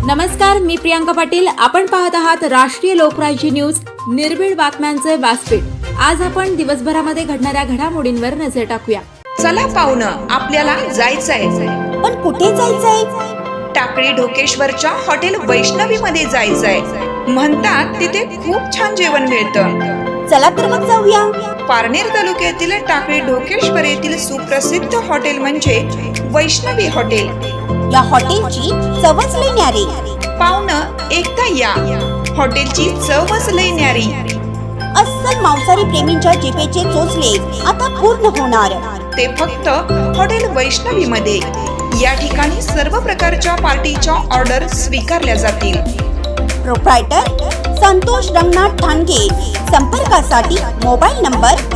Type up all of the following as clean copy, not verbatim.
नमस्कार, मी प्रियांका पाटील. आपण पाहत आहात राष्ट्रीय लोकराज्य न्यूज, निर्भीड बातम्यांचे व्यासपीठ. आज आपण दिवसभरामध्ये घडणाऱ्या घडामोडींवर नजर टाकूया. चला पाहुणं, आपल्याला जायचंय. पण कुठे जायचंय? टाकळी ढोकेश्वरच्या हॉटेल वैष्णवी मध्ये जायचंय. म्हणतात तिथे खूप छान जेवण मिळतं. चला तर मग जाऊया. पारनेर तालुक्यातील टाकळी ढोकेश्वर येथील सुप्रसिद्ध हॉटेल म्हणजे वैष्णवी हॉटेल. या हॉटेलची चवच लई न्यारी. पाहुणं, एकदा या. हॉटेलची चवच लई न्यारी. अस्सल मांसाहारी प्रेमींच्या जिभेचे चोचले आता पूर्ण होणार. ते फक्त हॉटेल वैष्णवी मध्ये. या ठिकाणी सर्व प्रकारच्या पार्टीच्या ऑर्डर स्वीकारल्या जातील. प्रोप्रायटर संतोष रंगनाथ ठाणगे. संपर्कासाठी मोबाईल नंबर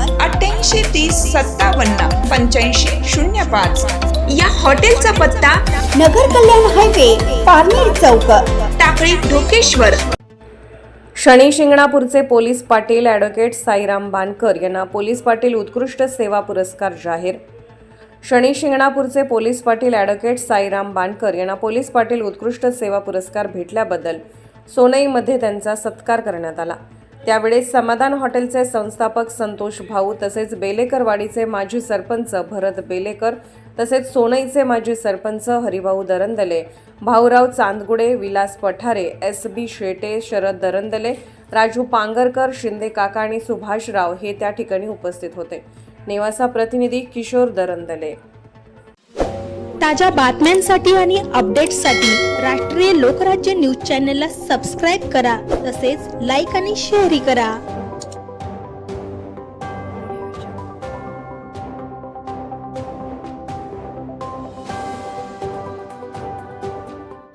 8830578505. या हॉटेलचा पत्ता नगर कल्याण हायवे, पारनेर चौक, टाकळी ढोकेश्वर. शनी शिंगणापूरचे पोलीस पाटील ॲडव्होकेट साईराम बानकर यांना पोलीस पाटील उत्कृष्ट सेवा पुरस्कार जाहीर. शनी शिंगणापूरचे पोलीस पाटील ॲडव्होकेट साईराम बानकर यांना पोलीस पाटील उत्कृष्ट सेवा पुरस्कार भेटल्याबद्दल सोनईमध्ये त्यांचा सत्कार करण्यात आला. त्यावेळेस समाधान हॉटेलचे संस्थापक संतोष भाऊ तसेच बेलेकरवाडीचे माजी सरपंच भरत बेलेकर तसेच सोनईचे माजी सरपंच हरिभाऊ दरंदले, भाऊराव चांदगुडे, विलास पठारे, SB शेटे, शरद दरंदले, राजू पांगरकर, शिंदे काका आणि सुभाषराव हे त्या ठिकाणी उपस्थित होते. नेवासा प्रतिनिधी किशोर दरंदले. ताज्या बातम्यांसाठी आणि अपडेट्ससाठी राष्ट्रीय लोकराज्य न्यूज चॅनलला सबस्क्राईब करा. तसेच लाईक आणि शेअरही करा.